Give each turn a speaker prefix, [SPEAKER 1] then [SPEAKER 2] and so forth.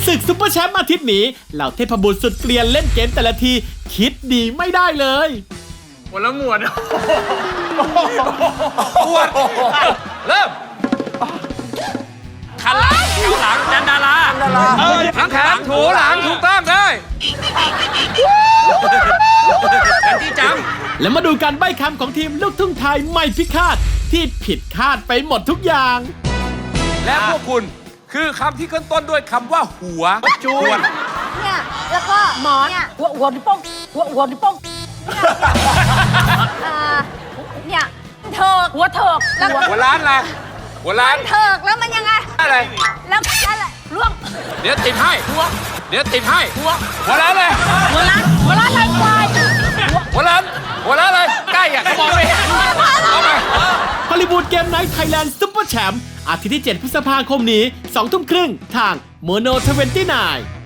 [SPEAKER 1] ศึกซุปเปอร์แชมป์อาทิตย์นี้เหล่าเทพบุตรสุดเกลียนเล่นเกมแต่ละทีคิดดีไม่ได้เลย
[SPEAKER 2] คนละหมวด
[SPEAKER 3] ปวดเริ่มขันหลังแถวหลังจันดาราทั้งแขนถูหลังถูกต้องได้กันที่จ
[SPEAKER 1] แล้วมาดูการใบ้คำของทีมลูกทุ่งไทยไม่พิฆาตที่ผิดคาดไปหมดทุกอย่าง
[SPEAKER 3] ำและพวกคุณคือคำที่ขึ้นต้นด้วยคำว่าหัวจูน
[SPEAKER 4] เนี่ยแล้วก็หมอนเนี่ยหัวนิ้วโป้งหัวนิ้วโป้งเนี่ยเถิกหัวเถิกแล้ว
[SPEAKER 3] หัวล้านอะไรหัวล้าน
[SPEAKER 4] เถิกแล้วมันยังไง
[SPEAKER 3] อะไร
[SPEAKER 4] แล้วอะไรล่วง
[SPEAKER 3] เดี๋ยวติดให้เดี๋ยวติดให้หัวล้านเลย
[SPEAKER 4] หัวล้านลายควาย
[SPEAKER 3] หัวล้านเลยใกล้อ่ะเขามองไม่เห็นเอาไป
[SPEAKER 1] ฮอลลีวูดเกมไนท์ไทยแลนด์ซุปเปอร์แชมป์อาทิตย์ที่ 7 พฤษภาคมนี้ 2 ทุ่มครึ่งทางโมโน29